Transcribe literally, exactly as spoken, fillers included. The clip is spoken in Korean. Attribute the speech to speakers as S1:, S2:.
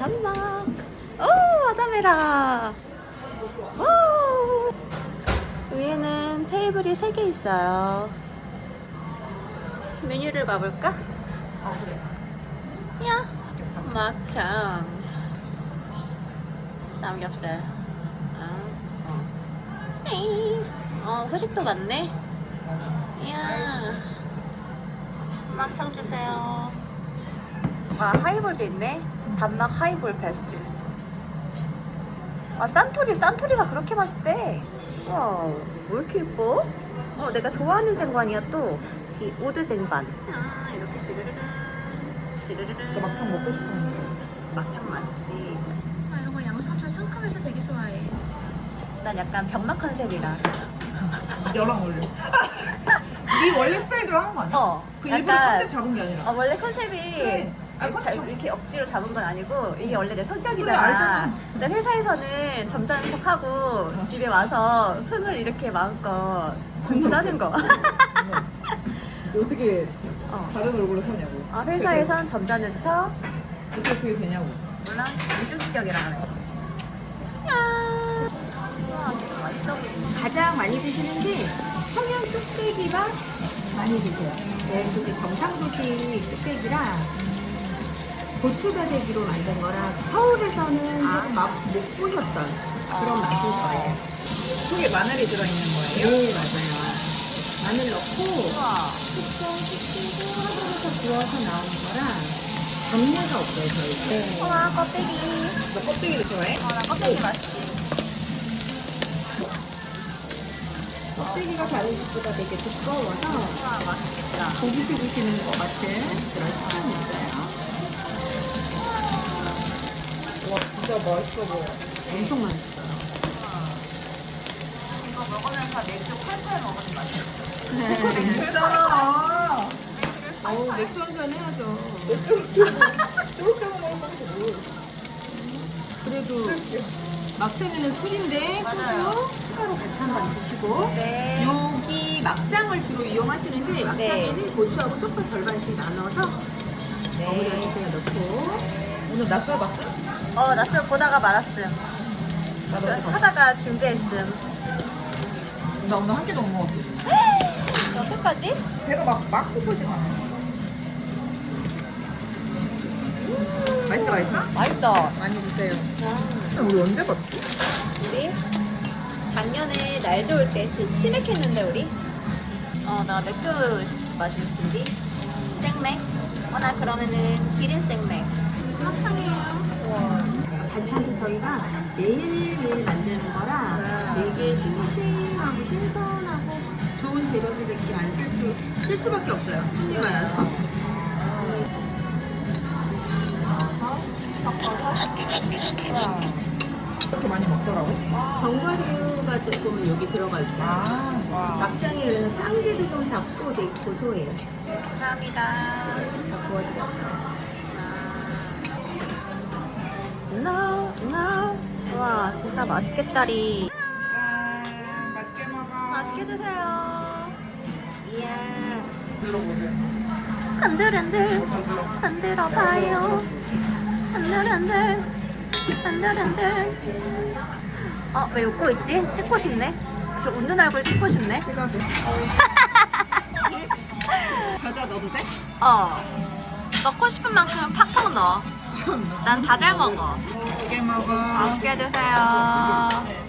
S1: 단막. 오, 아다메라. 오. 위에는 테이블이 세 개 있어요. 메뉴를 봐볼까?
S2: 아 그래.
S1: 야, 막창, 삼겹살. 아, 어. 에이. 어, 후식도 많네. 이야, 막창 주세요. 아, 하이볼도 있네. 단막 하이볼 베스트. 아, 산토리, 산토리가 그렇게 맛있대. 와, 왜 이렇게 예뻐? 어, 내가 좋아하는 쟁반이야 또. 이 오드 쟁반. 아, 이렇게 스르르르, 스르르르.
S2: 너 막창 먹고 싶었는데.
S1: 막창 맛있지. 아, 이런 거 양상추 상큼해서 되게 좋아해. 난 약간 병맛 컨셉이라.
S2: 너랑 어울려. 네 원래 스타일대로 하는 거 아니야?
S1: 어,
S2: 그 일부러
S1: 약간-
S2: 컨셉 잡은 게 아니라.
S1: 어, 원래 컨셉이
S2: 그래. 아,
S1: 이렇게,
S2: 컨셉
S1: 자- 이렇게 억지로 잡은 건 아니고 이게 원래 내 성격이잖아.
S2: 그래, 알잖아.
S1: 근데 회사에서는 점잖은 척하고 집에 와서 흥을 이렇게 마음껏 공부하는 거.
S2: 어떻게
S1: 어.
S2: 다른 얼굴로 사냐고.
S1: 아, 회사에선 점잖은 척,
S2: 어떻게 그게 되냐고.
S1: 몰라? 이중격이라 하네. 야, 와, 진짜 맛있어 보이네.
S3: 가장 많이 드시는 게 청양 뚝배기밥 많이 드세요. 네, 그게 경상도식 뚝배기라 고추다대기로 만든 거라 서울에서는
S1: 아.
S3: 조금 맛못 보셨던 그런 맛일 거예요.
S2: 속에 마늘이 들어있는 거예요?
S3: 네, 맞아요. 마늘 넣고
S1: 우와.
S3: 숙성 시키고 하루부터 구워서 나오는 거라 잡내가 없어요, 저희. 네.
S1: 우와, 껍데기.
S2: 너 껍데기를 좋아해?
S1: 어, 나 껍데기 맛있지.
S3: 껍데기가 다른 집보다 되게 두꺼워서
S1: 우와, 맛있겠다.
S3: 고기 씹으시는 것 같은 그런 식감이 있어요.
S2: 와 진짜 맛있어 보여.
S3: 엄청 맛있어요.
S1: 이거 먹으면서 맥주 팔팔 먹으면 맛있어.
S2: 괜찮아.
S3: 어우, 맥주 한잔 해야죠.
S2: 저렇게 먹으면 뭘.
S3: 그래도 막창에는 술인데
S1: 맞아요.
S3: 소주 추가로 같이 한잔 드시고
S1: 네.
S3: 여기 막장을 주로 이용하시는데 막장에는 고추하고 쪽파 절반씩 나눠서 버무려서 그냥 넣고
S2: 오늘 낯설 봤어?
S1: 어, 낯설 보다가 말았음.
S2: 나도 어디 봤어?
S1: 하다가 준비했음.
S2: 나 오늘 한 개도 못 먹었어.
S1: 여태까지?
S2: 배가 막, 막 고프진 않아. 맛있다, 맛있어?
S1: 맛있다.
S2: 많이 주세요. 우리 언제 봤지?
S1: 우리 작년에 날 좋을 때 치- 치맥했는데 우리. 어, 나 맥주 마실 준비. 생맥. 어, 나 그러면은 기린 생맥. 막창이에요.
S3: 반찬도 저희가 매일매일 만드는 거라 되게 싱싱하고 신선하고 좋은 재료들밖에 안 쓸 수, 쓸 수밖에 없어요. 손이 많아서.
S2: 이렇게 많이 먹더라고.
S3: 견과류가 조금 여기 들어가 있어요.
S2: 아, 와.
S3: 막장에 그래서 짱기도 좀 잡고 되게 고소해요.
S1: 감사합니다.
S3: 다 구워드렸어요.
S1: No, no. 와, 진짜 맛있겠다리.
S2: 짠, 맛있게 먹어.
S1: 맛있게 드세요. 이야.
S2: 들어보세요.
S1: 흔들흔들 흔들어봐요. 흔들흔들 흔들흔들. 어, 왜 웃고 있지? 찍고 싶네. 저 웃는 얼굴 찍고 싶네.
S2: 찍어도. 과자 넣어도 돼?
S1: 어. 먹고 싶은 만큼 팍팍 넣어.
S2: 좀.
S1: 난 다 잘 먹어.
S2: 맛있게 먹어.
S1: 맛있게 드세요.